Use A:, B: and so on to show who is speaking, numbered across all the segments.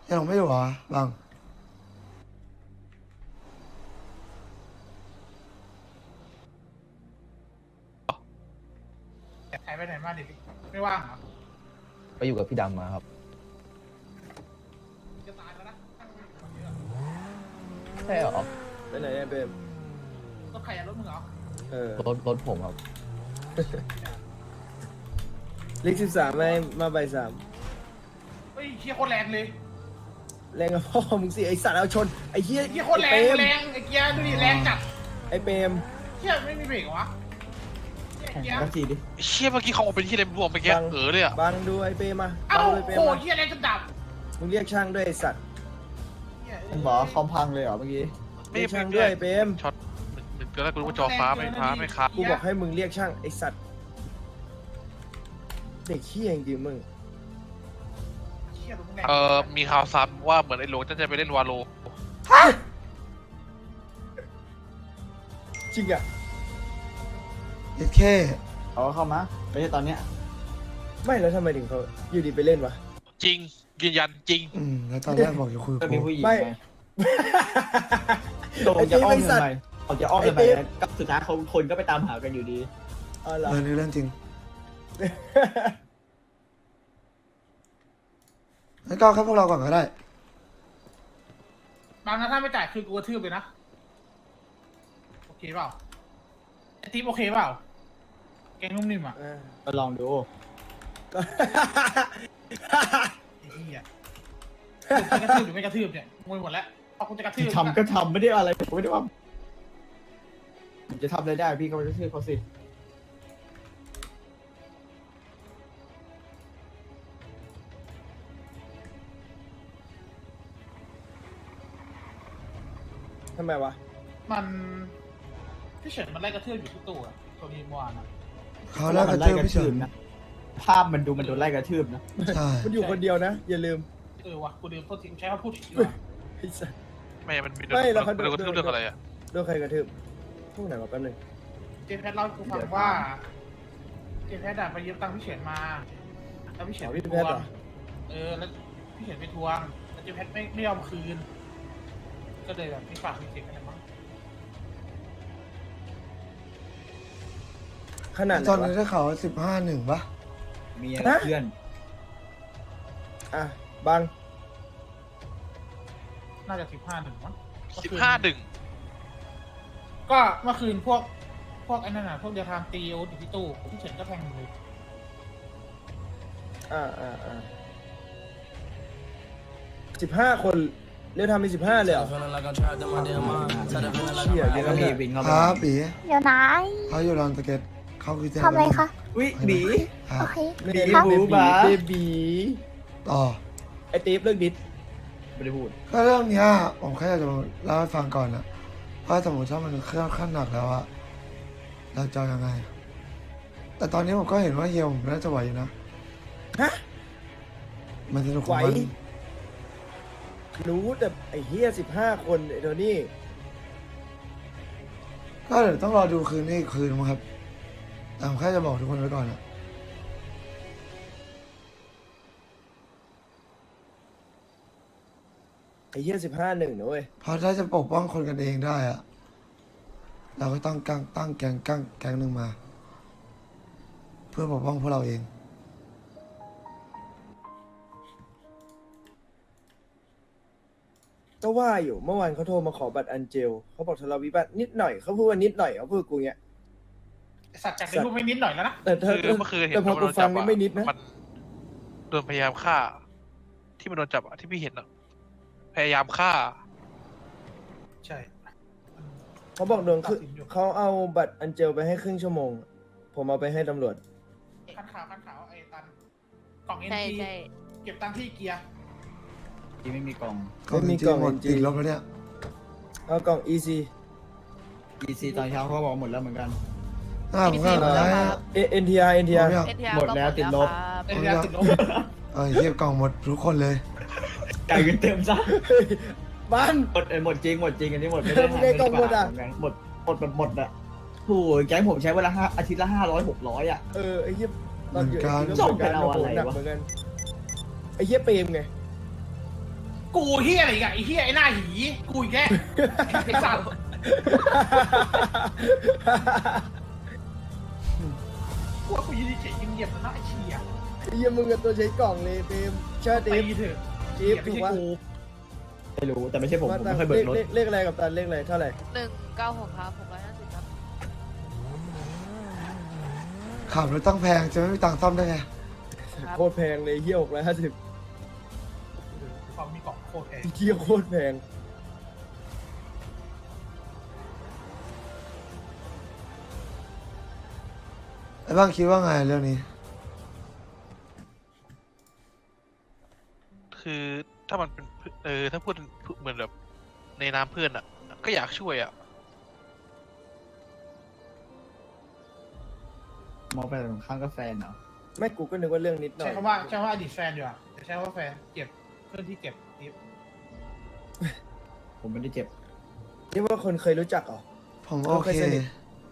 A: ยังไม่อยู่เหรอบัง
B: หายไปไหนมาดิไม่ว่างเหรอ
C: ไปอยู่กับพี่ดำมาครับ
B: จะตายแล้วนะ
C: ใช่เหรอ
D: ไปไหนเนี่ยเบม
B: รถใครอะรถมึงเหรอ
C: รถผมครับ
D: ลิก13ไม่มาใบ3
B: เฮ้ยเฮียโคตรแรงเลย
D: แรงกับพ่อมึงสิไอสัตว์เอาชนไอเหี้ย
B: เฮียโคตรแรงแรงไอ้เกียร์ดูดิแรงจัด
D: ไอเปรม
B: เฮียไม่มีเบรกเหรอวะเกียร์
D: นักจีดิ
E: เชี่ยเมื่อกี้เขาออกเป็นที่อะไรรวมไปแกเลยอ่ะ
D: บังดูไอเปรมมา
B: เอ้า
D: บังดูไอเปรม
B: โห
D: มา
B: เฮียแรงจนดับ
D: มึงเรียกช่างด้วยไอสัตว์
C: มันบอกว่าคอมพังเลยเหรอเมื่อกี้
D: เรียกช่างด้วยไอเปรม
E: ช็อตมันก็ได้กูรู้ว่าจอฟ้าไม่ค้า
D: กูบอกให้มึงเรียกช่างไอสัตว์เด็กขี้จริงๆมึง
B: เฮียรถมึงแรง
E: มีข่าวซ้ำว่าเหมือนไอ้โหลจะไปเล่นวาโล
D: จริงอ่ะ
A: เอ็ดเค
C: เขาเข้ามาไม่ใช่ตอนเนี้ย
D: ไม่แล้วทำไมถึงเขาอยู่ดีไปเล่นวะ
E: จริงยืนยันจริง
A: แล้วตอนแรกบอกจะคุยกับ
C: มี
A: กู
C: ผู้หญิง
D: ไม่
C: ไงโดนจะอ้อมทำไมเขาจะอ้อมทำไมก็สุดท้ายคนก็ไปตามหากันอยู่ดี
D: อ๋อเหรอ
A: นี่เรื่องจริงงั้นก็เอาแค่พวกเราก่อนก็ได้
B: บางนะถ้าไม่จ่ายคือกูกระทืบเลยนะโอเคเปล่าไอ้ทีมโอเคเปล่าแกงนุ่มนิ่มอ่ะ
C: ก็ลองดู
B: ไอ้เฮียจะกระทืบหรือไม่กระทืบเนี่ยงงหมดแล้วเอากูจะกระทืบ
C: ทำก็ทำไม่ได้อะไรผมไม่ได้ว่าผมจะทำอะไรได้พี่ก็ไปซื้อเขาสิ
D: ทำไมวะ
B: มันพี่เฉินมันไล่กระทืบอยู่ที่ตู้อะตัวนี้เมื่อวานอะ
A: เขาแรกกระทืบพี่เฉิน
C: นะภาพมันดูมันโดนไล่กระทืบนะ
A: ใช่
D: มันอยู่คนเดียวนะ อย่าลืม
B: วะกูลืมโทษทีกูใช้คำพูดผิดดีกว่า
D: ไอ้สัตว์
E: ไม่มันมี
D: ไม่แล้วเขา
E: เรื่องอะไรอ่ะ
D: โดนใครกระทืบพวกไหนวะแป๊บนึง
B: เจแพทเล่าให้กูฟังว่าเจแพทอะไปยืมตังค์พี่เฉินมาแล้วพี่เฉินไปทวงแล้วพี่เฉินไปทวงแล้วเจแพทไม่ยอมคืน ก็เลยแบบมีปากมีเสียงกันนะมั้ง
D: ขนาดไหน
A: ตอนนี้
D: วะ
A: ได้ข่าวว่า15-1ปะ
C: มีอะไรเพื่อน
D: อ่ะบัง
B: น่าจะ15-1มั้ง
E: 15-1
B: ก็เมื่อคืนพวกไอ้นั่นน่ะพวกเดียทามตีโออยู่ที่ตู้พี่เฉินก็แทงเลย
D: 15 คนเรียกทำมี15เลยเหรอเชี่ย
C: แล้วก็มีวินเข้า
A: ค
C: มา
A: รับปี
F: เดี๋ยวนะ
A: เขาอยู่ลอนสเก็ตเขาคือ
F: ทำอะไรคะ
C: วิบี
A: ครั
F: โอบ เค
D: บี
C: ครับ
D: เบบี
A: ต่อ
D: ไอตีฟเลิกดิส
C: ไม่ได้พูด
A: ก็เรื่องเนี้ยผมแค่อยากจะเล่าให้ฟังก่อนนะว่าสมมติถ้ามันเครื่องขั้นหนักแล้วอะเราจะยังไง แต่ตอนนี้ผมก็เห็นว่าเฮียผมน่าจะไหวอยู่นะ
D: ฮะ
A: มันสนุกข
D: ไหว
A: องมัน
D: รู้แต่ไอเฮีย15 คนไอโทนี่
A: ก็เดี๋ยวต้องรอดูคืนนี้อีกคืนมั้งครับแต่ผมแค่จะบอกทุกคนไว้ก่อนนะ
D: ไอเฮีย15-1นะเว้ย
A: เพราะถ้าจะปกป้องคนกันเองได้อะเราก็ต้องตั้งแก๊งหนึ่งมา เพื่อปกป้องพวกเราเอง
D: ก็ว่าอยู่เมื่อวานเขาโทรมาขอบัตรอันเจลเขาบอกทะเลาะวิวาทนิดหน่อยเขาพูดว่านิดหน่อยเขาพูดกูเงี้ย
B: ไอ้สัตว์จากเป็นรูปไม่นิดหน่อยแล้วนะ
D: แต่เธอ
E: คือเมื่อคืนเห็น
D: แต่พอกูฟังนี่ไม่นิดนะ
E: มันโดนพยายามฆ่า ที่มันโดนจับอะที่พี่เห็นอะพยายามฆ่า
B: ใช่
D: เขาบอกโดนคือเขาเอาบัตรอันเจลไปให้ครึ่งชั่วโมง ผมเอาไปให้ตำรวจ
B: คันขาวไอ้ตันกล่องเอ็น
F: ใช่
B: ที
F: ใช่
B: เก็บตังค์ที่เกียร์
C: ที่ไม่มีกล่อง
D: ไม่มี
A: จริ
D: กล่อง
A: หมด
D: จริง
A: ติดลบแล้วเนี่ย
D: เอากล่อง EC
C: EC ตอนเช้าเขาบอกหมดแล้วเหมือนกัน
A: ผมก็ได้
D: NTR
A: ผม
D: NTR
A: อยาก
C: หมดแล้วติดลบ
B: ไอ้เกียร์ติดลบ
A: เฮียกล่องหมดทุกคนเลย
C: จ่ายเงินเต็มซะ
D: บ้าน
C: หมดจริงอันนี้หมดไม่ได้
D: ไม่ได้กล่องหมดอะ
C: หมดแบบหมดอะโอ้ยแก๊งผมใช้เวลาอาทิตย์ละ500-600อะ
D: ไอ้เหี้ยตอนอยู่
A: เหมือนกัน
D: ที่
C: ส่งกันเอาอะไรวะ
D: เหมือนกันไอ้เหี้ยเปรมไง
B: กูเฮียอะไรอีกอะไอ้เฮียไอ้หน้าหีกูอีกแกไอ้สัตว์กูว่ากูยืนเฉยๆเงียบๆนะไอ้เชี่ย
D: ไอ้เหี้ยมึงกับตัวใช้กล่องเลยเต็มเชื่อ
B: ตี
D: ติ๊บ
B: เถอะ
D: จิ๊บ
B: ไม่
D: ถูก
B: ใช่
D: ปะ
B: กู
C: ไม่รู้แต่ไม่ใช่ผม
D: มา
C: ผม
D: ตัง
C: ไม่เคยเบิกรถ
D: เลขอะไรกับตันเลขอะไรเท่าไหร่
F: 196ครับ650ครับ
A: ขับรถตั้งแพงจะไม่มีตังค์ซ่อมได้ไง
F: ครับ
D: โคตรแพงเลยเหี้ย650
B: ความมีกล่องโคตรแพง
D: เหี้ยโคตรแพง
A: ไอ้บ้างคิดว่าไงเรื่องนี้
E: คือถ้ามันเป็นถ้าพูดเหมือนแบบในนามเพื่อนอ่ะ ก็อยากช่วยอ่ะ
C: มองไปตรงข้างก็แฟนเหรอ
D: ไม่กูก็นึกว่าเรื่องนิดหน่อ
B: ใช้
D: ย
B: คำว่าอดีตแฟนดีกว่าจะใช้ว่าแฟนเจ็บเพื่อนที่เจ็บติ๊บ
C: ผมไม่ได้เจ็บ
D: นี่ว่าคนเคยรู้จักเหรอ
A: ผมโอ
D: เราเค
A: เค
D: ยสนิท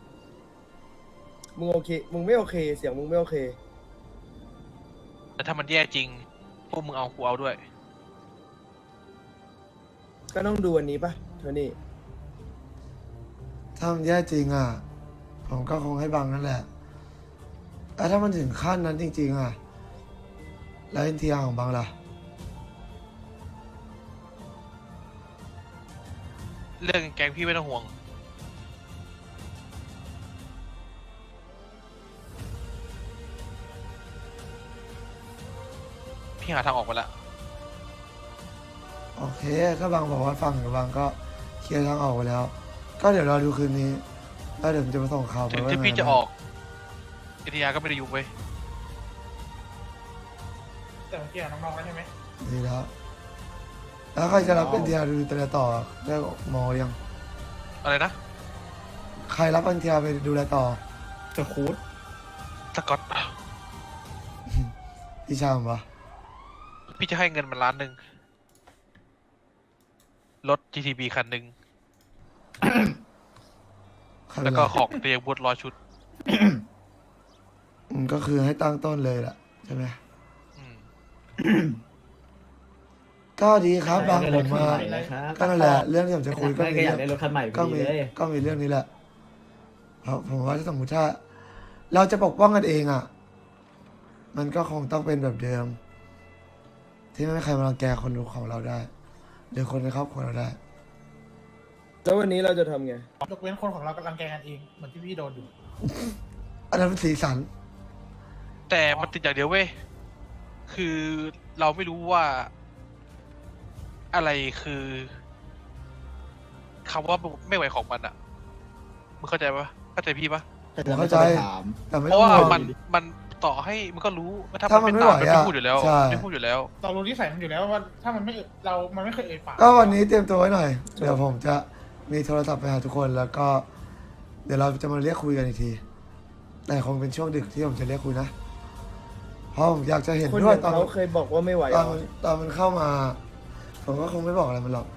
D: มึงโอเค มึงไม่โอเค เสียงมึงไม่โอเค
E: แต่ถ้ามันแย่จริง พวกมึงเอากูเอาด้วย
D: ก็ต้องดูวันนี้ปะโทนี่
A: ถ้ามันแย่จริงอ่ะ ผมก็คงให้บังนั่นแหละแต่ถ้ามันถึงขั้นนั้นจริง ๆ อ่ะ แล้วเอ็นทีอาร์ของบังล่ะ
E: เรื่องแกงพี่ไม่ต้องห่วง พี่หาทางออกมาแล้ว
A: โอเคถ้าบางบอกว่าฟังกับบางก็เคลียร์ทางออกไปแล้ว ก็เดี๋ยวรอดูคืนนี้ แล้วเดี๋ยวผมจะมาส่งข่าวไป
E: ถึง
A: ว่า
E: ที่
A: ไง
E: พี่จะ
A: นะ
E: ออกเอทีอาร์ก็ไม่ได้ยุ่งเว้ย
B: แต่เมื่อกี้น้องๆแล้วใช่ไหม
A: ดีแล้ว แล้วใครจะรับเป็นทีอาร์ดูแลต่อได้มอยัง
E: อะไรนะ
A: ใครรับเป็นทีอาร์ไปดูแลต่อ
C: จะคูด
E: สกอต
A: พี่ชามปะ
E: พี่จะให้เงินมัน1 ล้านรถ GTB คันหนึ่ง
A: ใคร
E: แล้วก็ของเตียงบด100 ชุด
A: ก็คือให้ตั้งต้นเลยล่ะใช่ไหม
E: อืม
A: ก็ดีครับบาง
C: ได้
A: ผ
C: ร
A: ม
C: ถคัน
A: มา
C: ใหม่นะครับ
A: ก็นั่นแหละเรื่องที่ผมจะคุยก็
C: ไม่
A: มี
C: ก็อยา
A: เรื่
C: ก
A: อง
C: ได้รถคันใหม่พ
A: ก็
C: อดี
A: มี
C: เลย
A: ก็มีเรื่องนี้แหละเพราะผมว่าถ้าสมมติถ้า เราจะปกป้องกันเองอ่ะ มันก็คงต้องเป็นแบบเดิม ที่ไม่มีใครมารังแกคนดูของเราได้หรือคนในครอบครัวเราได้
D: แล้ววันนี้เราจะทำไง
B: ยกเว้นคนของเรากำลังแกล้งกันเองเหมือนที่พี่โดนอยู่
A: อันนั้นเป็นสีสัน
E: แต่มันติดอย่างเดียวเว้ย คือเราไม่รู้ว่า อะไรคือคำว่าไม่ไหวของมันอ่ะ มึงเข้าใจปะเข้าใจพี่ปะ
C: แต่จะไม่ต้องไปถาม
A: แต่ไม่
E: เพ
A: ต้อ
E: ราะ
A: ง
E: ว่า
A: ห่วง
E: มันต่อให้มันก็รู้ว่า
A: ถ้า
E: ถ้า
A: มั
E: มัน น
A: ไม่
E: ไม่ตาม
A: ไหว
E: มันไม่
A: อะ
E: พูดอยู่แล้ว
A: ใช่
E: ไม่พูดอยู่แล้ว
B: เรารู้นิสัยมันอยู่แล้วว่าถ้ามันไม่มันไม่เคยเอ่ยปาก
A: ก็วันนี้เตรียมตัวไว้หน่อย เดี๋ยวผมจะมีโทรศัพท์ไปหาทุกคนแล้วก็ เดี๋ยวเราจะมาเรียกคุยกันอีกที แต่คงเป็นช่วงดึกที่ผมจะเรียกคุยนะ เพราะผมอยากจะเห็น
D: คน
A: ด้
D: อ
A: วย
D: ย่าง
A: ตอน
D: เขาเคยบอกว่าไม่ไหว
A: ต
D: เหร
A: อน
D: อ
A: มันตอนมันเข้ามา ผมก็คงไม่บอกอะไรมันหรอก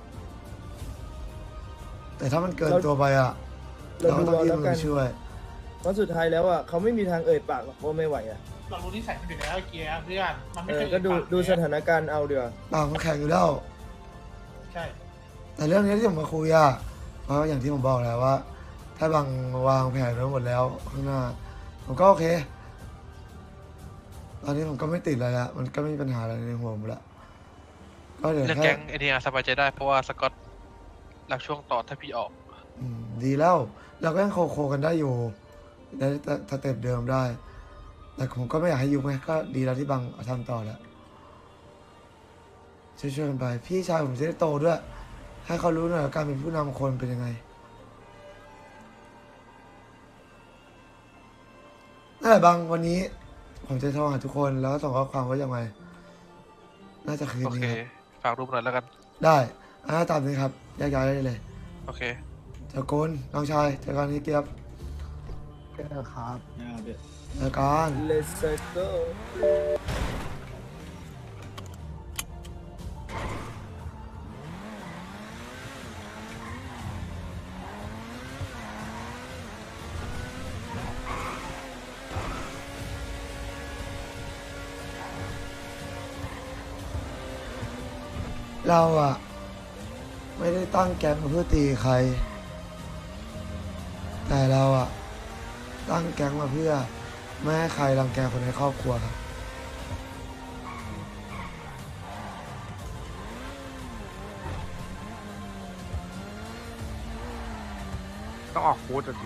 A: แต่ถ้ามันเกินตัวไปอ่ะ
D: เรา
A: เราก็
D: ดู
A: ต้อง
D: เอา
A: ยื่น
D: แล้ว
A: มื
D: กัน
A: อช่วย
D: เพราะสุดท้ายแล้วอ่ะเขาไม่มีทางเอ่ยปากหรอกว่าไม่ไหวอ่ะ
B: เรารู้นิสัยมันอยู่แล้วไอ้เกียร์เพื่อนมันไม่
D: เอ
B: เค
D: อย ก็
B: เอ่ยปาก
D: ดูสถานการณ์เอาเดี๋ยวา
A: ปากมันแข็งอยู่แล้ว
B: ใช่
A: แต่เรื่องนี้ที่ผมมาคุยอ่ะ เพราะอย่างที่ผมบอกแล้วว่า ถ้าบางวางแผนไว้หมดแล้วข้างหน้า ผมก็โอเค ตอนนี้ผมก็ไม่ติดอะไรละมันก็ไม่มีปัญหาอะไรในหัวผมละก็เดี๋ยว
E: เรื่อง
A: แค่
E: แก๊งเอทีอาร์สบายใจได้เพราะว่าสกอตหลักช่วงต่อถ้าพี่ออก
A: ดีแล้ว เราก็ยังโคกันได้อยู่ได้สเต็ปเดิมได้ แต่ผมก็ไม่อยากให้ยุบไงก็ดีแล้วที่บางทำต่อแล้วช่วยๆกันไป พี่ชายผมจะได้โตด้วย ให้เขารู้หน่อยว่าการเป็นผู้นำคนเป็นยังไงนั่นแหละบางวันนี้ ผมจะโทรหาทุกคนแล้วก็ส่งข้อความว่ายังไง น่าจะคืน
E: โอเค
A: นี้ครับ
E: ฝากรูปหน่อยแล้วกัน
A: ได้ตามนี้ครับแยกย้ายได้เลย
E: โอเค
A: เจ้ากุลน้องชายเจอกันที่เกียบ
C: นะครับ
A: เจอกัน
D: Let's go
A: เราอะไม่ได้ตั้งแก๊งมาเพื่อตีใคร แต่เราอะตั้งแก๊งมาเพื่อไม่ให้ใครรังแกคนในครอบครัวครับ
G: ต้องออกฟูดอ่ะสิ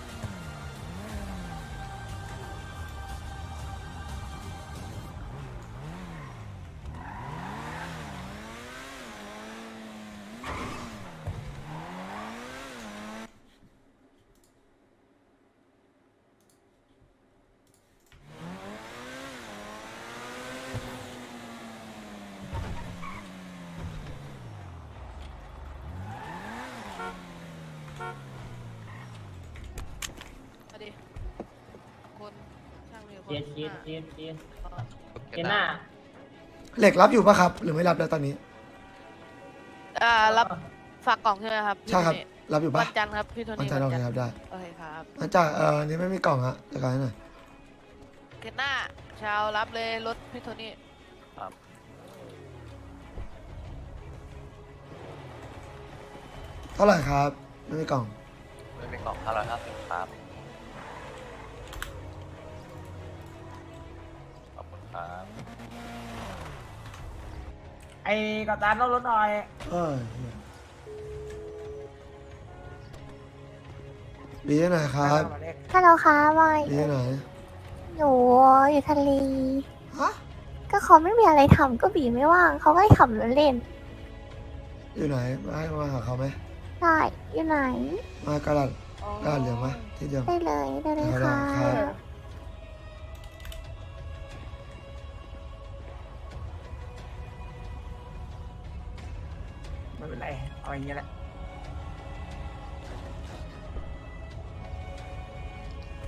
F: มาดิคนช่างเรือ
H: เจียน
F: 5
H: เจน่า
A: เหล็กรับอยู่ปะครับ หรือไม่รับแล้วตอนนี้
F: รับฝากกล่องใช่ไหมครับ
A: ใช่ครับ
F: พี่โทนี่
A: รับอยู่ปะ
F: วันจันทร์ครับพี่โท
A: มัน
F: นี่
A: จะโอเค
F: วัน
A: ครับได้
F: โอเคครับ
A: มันจะอันนี้ไม่มีกล่องฮะจัดการให้หน่อย
F: เกตหน้าชาวรับเลยรถพี่โทนี่
A: เท่าไหร่ครับ ไม่มีกล่อง
I: ไม่มีกล่อง550ครับ ขอบคุณครับ
H: ไอ้กัปตันรถหน่อย
A: เอ้ยบีที่ไหนครับ
J: ฮัลโหลค่ะบอย
A: บีที่ไหน
J: หนูอยู่ทะเล
A: ฮะ
J: ก็เขาไม่มีอะไรทำก็บีไม่ว่าง เขาก็ให้ขับรถเล่น
A: อยู่ไหนมาให้มาหาเขาไหม
J: ได้อยู่ไหน
A: มากระดาษกระดาษเหลืองมาที่เดิม
J: ได้เลยได้เลย
A: ได้
J: ค่ะ
A: ครับ
H: ไม่เป็นไร เอาอย่างเงี้ยแหละ